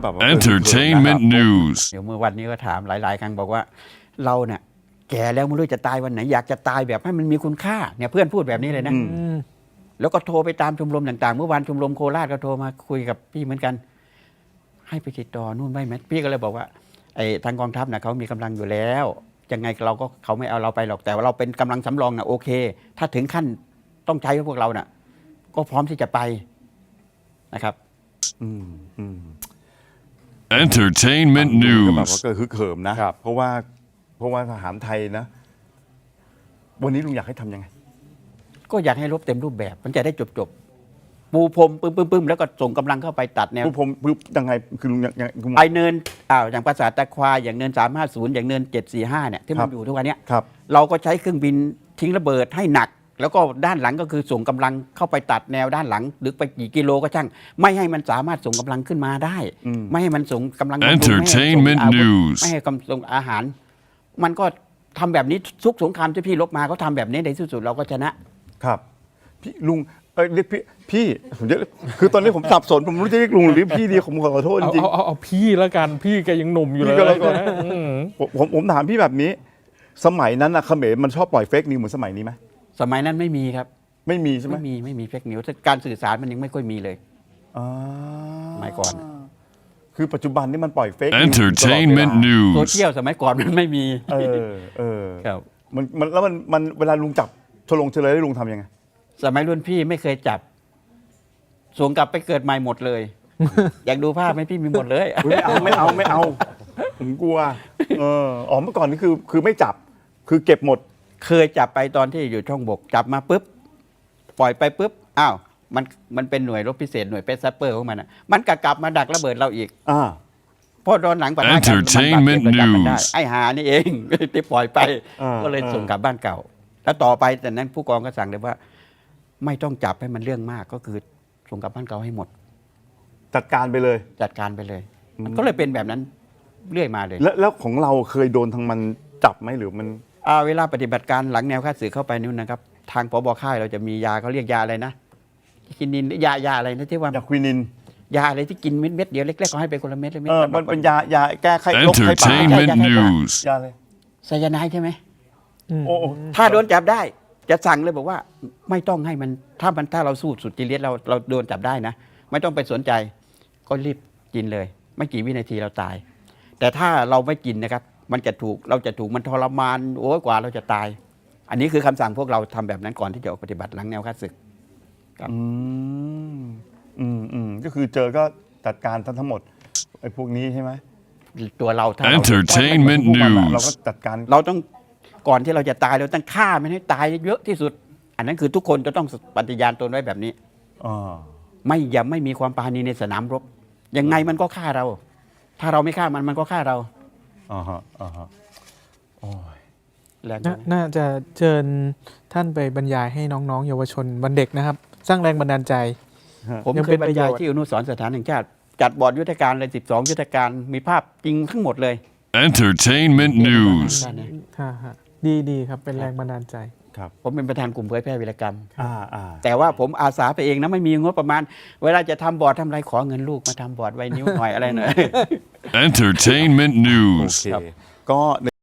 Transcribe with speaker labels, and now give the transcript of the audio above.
Speaker 1: แบบว่า
Speaker 2: Entertainment news
Speaker 3: เดี๋ยวเมื่อวันนี้ก็ถามหลายๆครั้งบอกว่าเราเนี่ยแก่แล้วไม่รู้จะตายวันไหนอยากจะตายแบบให้มันมีคุณค่าเนี่ยเพื่อนพูดแบบนี้เลยนะแล้วก็โทรไปตามชมรมต่างๆเมื่อวานชมรมโคราชก็โทรมาคุยกับพี่เหมือนกันให้ไปติดต่อนู่นไม่ไหมพี่ก็เลยบอกว่าไอ้ทางกองทัพนะเขามีกำลังอยู่แล้วยังไงเราก็เขาไม่เอาเราไปหรอกแต่ว่าเราเป็นกำลังสำรองนะโอเค ถ้าถึงขั้นต้องใช้พวกเราน่ะก็พร้อมที่จะไปนะครับ
Speaker 2: Entertainment
Speaker 1: ก็แบบ
Speaker 2: news
Speaker 1: ว่าก็ฮึกเหิมนะเพราะว่าทหารไทยนะ วันนี้ลุงอยากให้ทำยังไง
Speaker 3: ก็อยากให้รบเต็มรูปแบบมันจะได้จบปูพรมปึ้มแล้วก็ส่งกำลังเข้าไปตัดแนว
Speaker 1: ผมยังไงคือลุงยังลุง
Speaker 3: ไอเนินอย่างปราสาทตะควายอย่างเนิน350อย่างเนิน745เนี่ยที่มันอยู่ทุกวันเนี้ย
Speaker 1: ครับ
Speaker 3: เราก็ใช้เครื่องบินทิ้งระเบิดให้หนัก แล้วก็ด้านหลังก็คือส่งกำลังเข้าไปตัดแนวด้านหลังลึกไปกี่กิโลก็ช่างไม่ให้มันสามารถส่งกำลังขึ้นมาได้ ไม่ให้มันส่งกำลังบำรุง
Speaker 2: Entertainment
Speaker 3: ไม่ให้ส่งอาวุธ
Speaker 2: news
Speaker 3: ไม่ให้ส่งอาหาร มันก็ทำแบบนี้ทุกสงครามที่พี่ลบมาก็ทำแบบนี้ในที่สุดเราก็ชนะครับ
Speaker 1: พี่ลุงเรียกพี่ผมจะคือตอนนี้ผมสับสนผมไม่รู้จะเรียกลุงหรือเรียกพี่ดีผมขอโทษจริง
Speaker 4: เอาพี่แล้วกันพี่แกยังหนุ่มอยู่เลย
Speaker 1: พี่ก็แล้วกัน
Speaker 4: นะ
Speaker 1: ผมถามพี่แบบนี้ สมัยนั้นนะเขมรมันชอบปล่อยเฟกนิวเหมือนสมัยนี้ไหม
Speaker 3: สมัยนั้นไม่มีครับ
Speaker 1: ไม่มีใช่ไหม
Speaker 3: ไม่มีเฟกนิวส์การสื่อสารมันยังไม่ค่อยมีเลย
Speaker 1: อ่า
Speaker 3: สมัยก่อน
Speaker 1: คือปัจจุบันนี่มันปล่อยเฟก
Speaker 2: Entertainment
Speaker 3: โซ
Speaker 2: news
Speaker 3: เชียลสมัยก่อนมันไม่มี ครับ
Speaker 1: มันแล้วมันเวลาลุงจับเฉลยได้ลุงทำยังไง
Speaker 3: สมัยรุ่นพี่ไม่เคยจับส่งกลับไปเกิดใหม่หมดเลย อยากดูภาพไหมพี่มีหมดเลย
Speaker 1: ไม่เอาผมกลัวเมื่อก่อนนี่คือไม่จับคือเก็บหมด
Speaker 3: เคยจับไปตอนที่อยู่ช่องบกจับมาปุ๊บปล่อยไปปุ๊บอ้าวมันเป็นหน่วยรบพิเศษหน่วยเปซซัปเปอร์ของมันอ่ะมันกลับมาดักระเบิดเราอีกเพราะตอนหลังปะทะกันมันบาดเจ็บเราจับมันได้ไอ้หานี่เอง ที่ปล่อยไปก็เลยส่งกลับบ้านเก่า แล้วต่อไปแต่นั้นผู้กองก็สั่งเลยว่า ไม่ต้องจับให้มันเรื่องมากก็คือส่งกลับบ้านเก่าให้หมด
Speaker 1: จัดการไปเลย
Speaker 3: จัดการไปเลยมันก็เลยเป็นแบบนั้นเรื่อยมาเลย
Speaker 1: แล้วของเราเคยโดนทางมันจับไหมหรือมัน
Speaker 3: เวลาปฏิบัติการหลังแนวค่าศึกเข้าไปนู่นนะครับ ทางผบ.ค่ายเราจะมียาเขาเรียกยาอะไรนะกินนินยาอะไรนะที่ว่าย
Speaker 1: าควินิน
Speaker 3: ยาอะไรที่กินเม็ดเดียวเล็กๆเขาให้ไปคนละเม็ดเลยเม็ด
Speaker 1: มันเป็นยาแก้ไข้โรคไข้ป่า
Speaker 2: Entertainment news
Speaker 1: ยาอะไร
Speaker 3: ไซยาไนด์ใช่ไหม
Speaker 1: โอ้
Speaker 3: ถ้าโดนจับได้จะสั่งเลยบอกว่าไม่ต้องให้มันถ้าเราสู้สุดจริตเราโดนจับได้นะ ไม่ต้องไปสนใจก็รีบกินเลย ไม่กี่วินาทีเราตาย แต่ถ้าเราไม่กินนะครับเราจะถูกมันทรมานโอ้ยกว่าเราจะตาย อันนี้คือคำสั่งพวกเราทำแบบนั้นก่อนที่จะออกปฏิบัติหลังแนวค่าศึก
Speaker 1: ก็คือเจอก็จัดการทั้งหมดไอ้พวกนี้ใช่ไหม
Speaker 3: ตัวเราถ้าเรา
Speaker 2: Entertainment
Speaker 1: พวกมันอะเรา
Speaker 2: news
Speaker 1: ก็จัดการ
Speaker 3: เราต้องก่อนที่เราจะตายเราต้องฆ่ามันให้ตายเยอะที่สุด อันนั้นคือทุกคนจะต้องปฏิญาณตนไว้แบบนี้อย่าไม่มีความปราณีในสนามรบยังไงมันก็ฆ่าเรา ถ้าเราไม่ฆ่ามันก็ฆ่าเรา
Speaker 1: โอ้ย
Speaker 3: แรง
Speaker 4: น่าจะเชิญท่านไปบรรยายให้น้องๆเยาวชนวันเด็กนะครับ สร้างแรงบันดาลใจ
Speaker 3: ผม
Speaker 4: ยัง
Speaker 3: เค
Speaker 4: เป็
Speaker 3: ย
Speaker 4: น
Speaker 3: บรรยาย
Speaker 4: ประโยชน์
Speaker 3: ที่อนุสรณ์สถานแห่งชาติจัดบอร์ดยุทธการเลย12ยุทธการมีภาพจริงทั้งหมดเลย
Speaker 2: Entertainment news
Speaker 4: ดีครับเป็นแรงบันดาลใจ
Speaker 3: ผมเป็นประธานกลุ่มเผยแพร่วีรกรรม
Speaker 1: อ่า
Speaker 3: แต่ว่าผมอาสาไปเองนะไม่มีงบประมาณ เวลาจะทำบอร์ดทำอะไรขอเงินลูกมาทำบอร์ดไว้นิ้วหน่อยอะไรหน่อย
Speaker 2: Entertainment
Speaker 1: โอ
Speaker 2: news
Speaker 1: เคก็